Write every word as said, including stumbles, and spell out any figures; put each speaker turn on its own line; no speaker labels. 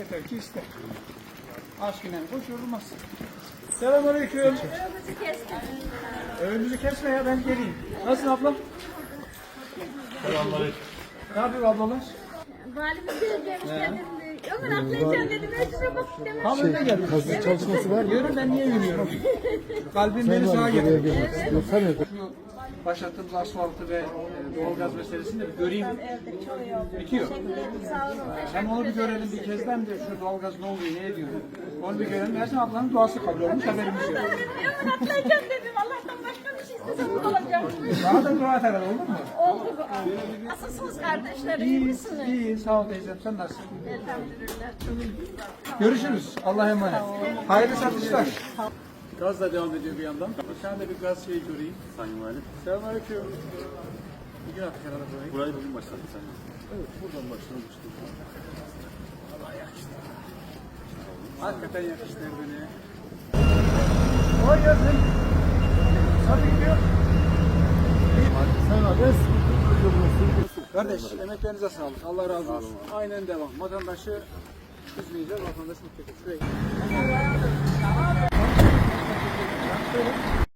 Yeter ki iste. Aşkına boş yorulmaz. Selamünaleyküm.
Önümüzü kesme.
Önümüzü kesme ya, ben geleyim. Nasılsın ablam?
Selamünaleyküm.
Ne yapıyor ablalar?
Valimiz gelmiş dedim. Ömer atlayacağım dedim. Ölçüme bak dedim.
Tam önüne geldim.
Kazı çalışması var mı?
Yürü, ben niye yürüyorum? Kalbim beni sağa
Buraya
getiriyor.
gelmek istiyor. Sen de.
Şu başlattığımız asfaltı ve e, doğalgaz meselesini de bir göreyim. Bitiyor.
Sağ olun.
Hem onu bir görelim bir kezden de şu doğalgaz ne oluyor, ne ediyor. Onu bir görelim. Ersin ablanın duası kabul olmuş, haberimiz yok.
Ömer atlayacağım dedim. Allah'tan başka bir şey istesem bu olacak.
Daha da dua et herhalde, olur mu?
Oldu bu. Nasılsınız kardeşler? İyi
İyi,
misiniz?
iyi. Sağ ol teyzem. Sen nasılsın?
Elhamdülillah. Çok iyi.
Görüşürüz. Allah'a emanet. Hayırlı satışlar. Gaz da devam ediyor bir yandan. Bir tane de bir gaz şeyi göreyim.
Sayın Valim.
Selamünaleyküm. Bir gün attık herhalde burayı.
Burayı bugün başladık Sayın Valim.
Evet, buradan başlamıştık. Allah yakıştı. Hakikaten yakıştı beni. Kolay gelsin. Nasıl gidiyor?
Sen abi.
Kardeş, emeklerinize sağlık. Allah razı olsun. Aynen devam. Vatandaşı üzmeyeceğiz, vatandaş mutlu edeceğiz. Şuraya.